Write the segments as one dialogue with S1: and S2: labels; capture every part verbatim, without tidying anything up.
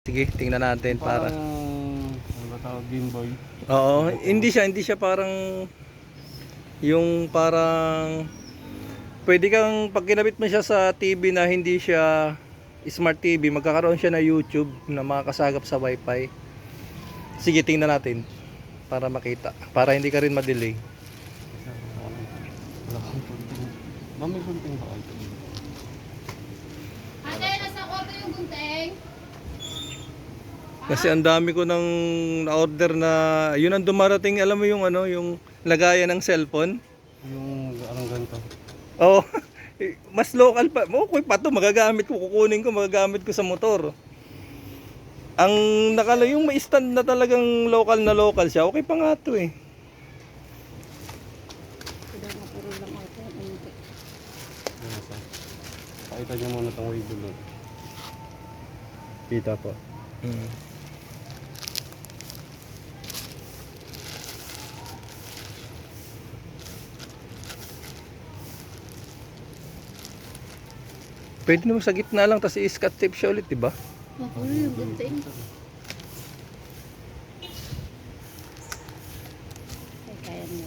S1: Sige, tingnan natin para.
S2: Parang, ano ba tawag, Game Boy?
S1: Oo, hindi siya, hindi siya parang yung parang pwede kang pag kinabit mo siya sa T V na hindi siya smart T V, magkakaroon siya na YouTube na makakasagap sa Wi-Fi. Sige, tingnan natin para makita, para hindi ka rin ma-delay.
S2: Wala kang kunting. Ma'am, may kunting ba kayo?
S3: Ate, nasa kwarto yung gunting.
S1: Kasi ang dami ko nang na-order na yun ang dumarating, alam mo yung ano, yung lagayan ng cellphone.
S2: Yung parang ganito.
S1: Oh, mas local pa. Okay pa to, magagamit ko, kukunin ko, magagamit ko sa motor. Ang nakala yung may stand na talagang local na local siya, okay pa nga to eh.
S2: Ano sa? Pakita niyo muna itong wave doon. Kita po.
S1: Hmm. Pwede naman sa gitna lang, tapos i-scotch tape siya ulit, diba?
S3: Mapulo yung gunting. Ay, kaya niya.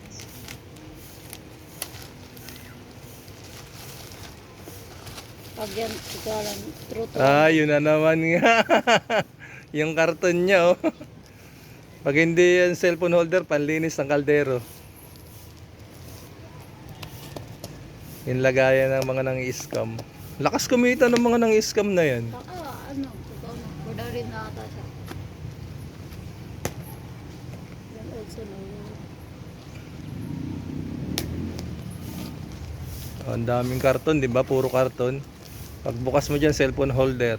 S3: Pag yan, ikalan, true to.
S1: Ah, yun na naman nga. Yung karton niya, oh. Pag hindi yan cellphone holder, panlinis ng kaldero. Yung lagayan ng mga nang-i-scam. Lakas kumita ng mga nang-i-scam na yan.
S3: Baka, ano, totoo na. Kuda rin na ata siya. Yan also no.
S1: Oh, ang daming karton, di ba? Puro karton. Pagbukas mo dyan, cellphone holder.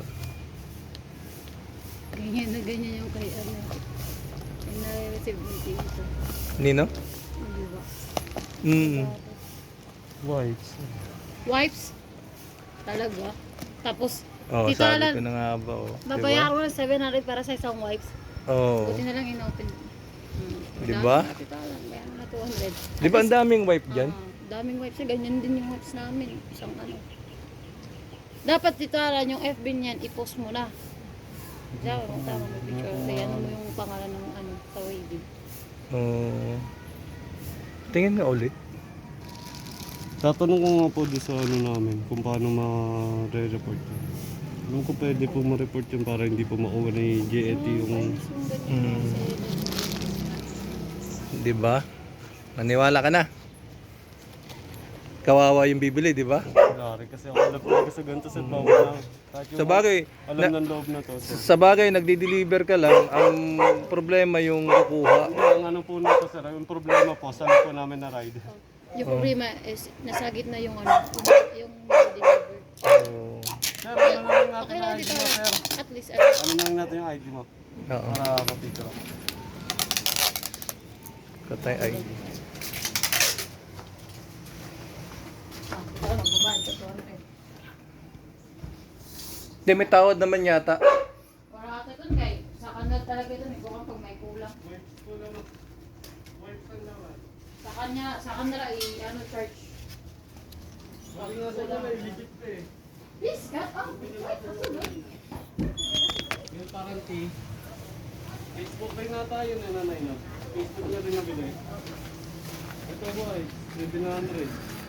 S3: Ganyan na ganyan yung kay ano. Yung na-receive ng dito.
S1: Nino?
S3: Di ba?
S1: Mm.
S2: Wipes.
S3: Wipes. Talaga. Tapos,
S1: Oh,
S3: Tita
S1: sabi
S3: Alan,
S1: ko na nga ba, oh.
S3: babayaran ko ng seven hundred para sa isang wipes.
S1: Oh.
S3: Buti na lang in-open. Hmm.
S1: Di ba?
S3: Tita Alan, bayaran mo na two hundred.
S1: Di ba ang daming wipe dyan?
S3: Ah, daming wipes na ganyan din yung wipes namin. Isang ano. Dapat Tita Alan, yung F B niyan, i-post mo na. Diyan, kung tama mo picture. Kaya ano mo yung pangalan ng ano, sa wavy.
S1: Oh. Tingin nga ulit.
S2: Tatanong ko nga po doon sa ano namin kung paano ma-re-report yun. Alam ko pwede po ma-report yun para hindi po makuha ni J E T yung...
S3: Wipes yung ganyan.
S1: Hmm.
S3: Kasi,
S1: Di ba? Maniwala ka na. Kawawa yung bibili, di ba?
S2: Lari kasi ako alam ko sa ganito sa bawang lang. Kahit yung
S1: Sa bagay,
S2: alam
S1: na-
S2: ng loob na to. So.
S1: sa bagay, nagdi-deliver ka lang. Ang problema yung kukuha.
S2: Ang ano po nito sir, yung problema po, saan po namin na ride.
S3: yung problema is, nasa gitna yung ano, yung deliver.
S1: Oh.
S2: Sir, ano na lang natin
S3: Okay
S2: yung
S3: lang
S2: I D
S3: dito.
S2: mo sir?
S3: At least, ano,
S2: Ano na lang natin yung I D mo?
S1: Oo.
S2: Para kapicture ako.
S1: Katay ay.
S3: ah, ito, magbabayad ka two hundred.
S1: Hindi, may tawad naman yata.
S3: Para ata ito, kay, sa kanal talaga ito, may bukang pag may kulang. Sa kanya, sa kanila, i, ano, charge. Please, cut off. Wait, kasunod.
S2: Yung warranty, Facebook rin na tayo na nanay no? Facebook na rin nabili. Ito po ay seven hundred.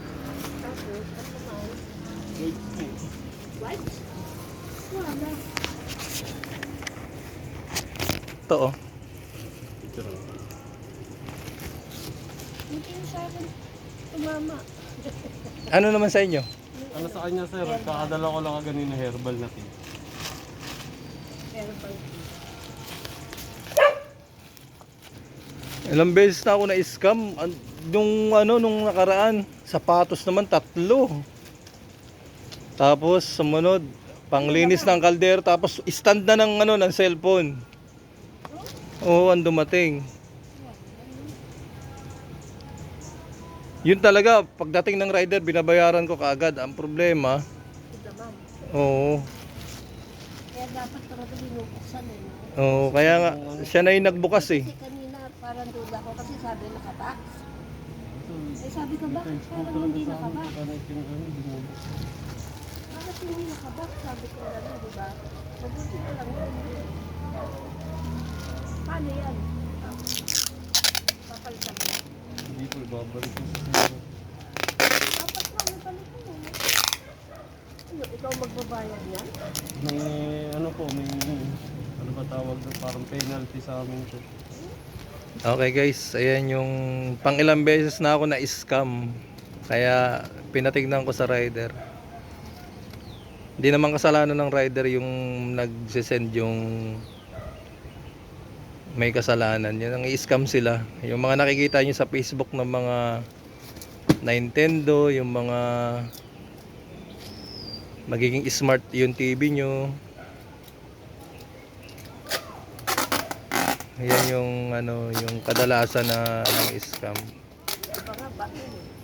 S2: Wait,
S3: What? Wala.
S1: Ito oh.
S2: picture ako.
S3: Hindi na sa akin. Tumama.
S1: Ano naman sa inyo?
S2: Ano sa kanya sir, kakadala ko lang ganina herbal na tea.
S3: Pero pag
S1: Ilang beses na ako na-scam. An- Nung ano, nung nakaraan, sapatos naman tatlo. Tapos sumunod, panglinis ng kaldero, tapos stand na ng ano ng cellphone. Oo, ang dumating. Yun talaga, pagdating ng rider, binabayaran ko kaagad. Ang problema,
S3: damam.
S1: oo.
S3: Kaya dapat talaga binubuksan eh.
S1: Oo, kaya nga, siya na yung nagbukas eh.
S3: Kasi kanina parang duda ko kasi sabi nakabox. Eh sabi ko bakit parang hindi nakabox? Bakit hindi nakabox? Sabi ko na di ba?
S4: Mabuti na lang yun. Paano yan? Papalitan mo.
S2: Hindi po, ibabalik ko sa sila.
S4: Dapat lang, may palitan mo. Ano, ikaw magbabayad yan?
S2: May ano po, may ano ba tawag doon, parang penalty sa amin to.
S1: Okay guys, ayan yung pang ilang beses na ako na scam. Kaya pinatignan ko sa rider. Hindi naman kasalanan ng rider yung nagsisend yung may kasalanan. Yan ang i-scam sila. Yung mga nakikita nyo sa Facebook ng mga Nintendo, yung mga magiging smart yung T V nyo. Ayan yung ano, yung kadalasan na ng scam.
S4: Baka bakit eh.